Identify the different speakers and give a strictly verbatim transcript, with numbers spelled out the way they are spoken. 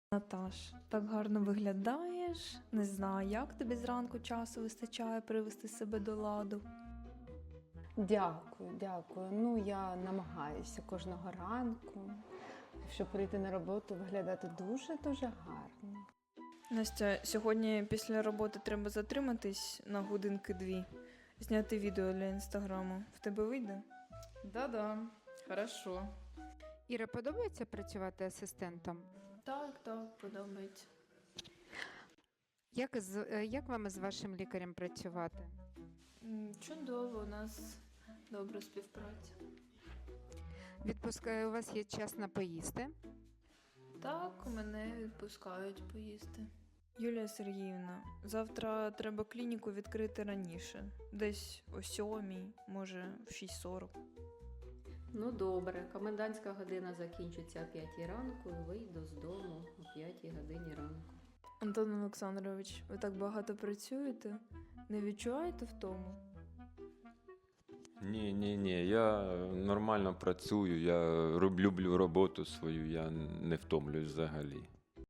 Speaker 1: Наташ, так гарно виглядаєш. Не знаю, як тобі зранку часу вистачає привести себе до ладу.
Speaker 2: Дякую, дякую. Ну, я намагаюся кожного ранку, щоб прийти на роботу, виглядати дуже-дуже гарно.
Speaker 1: Настя, сьогодні після роботи треба затриматись на годинки-дві, зняти відео для інстаграму. В тебе вийде?
Speaker 3: Да-да, хорошо.
Speaker 4: Іра, подобається працювати асистентом?
Speaker 1: Так, так, подобається.
Speaker 4: Як, з, е, як вам з вашим лікарем працювати?
Speaker 1: М, Чудово, у нас добра співпраця.
Speaker 4: Відпускає, у вас є час на поїсти?
Speaker 1: Так, мене відпускають поїсти. Юлія Сергіївна, завтра треба клініку відкрити раніше. Десь о сьомій, може в шість сорок.
Speaker 5: Ну добре, комендантська година закінчиться о п'ятій ранку і вийду з дому о п'ятій годині ранку.
Speaker 1: Антон Олександрович, ви так багато працюєте? Не відчуваєте втому?
Speaker 6: Ні, ні, ні, я нормально працюю, я роб- люблю роботу свою, я не втомлююсь взагалі.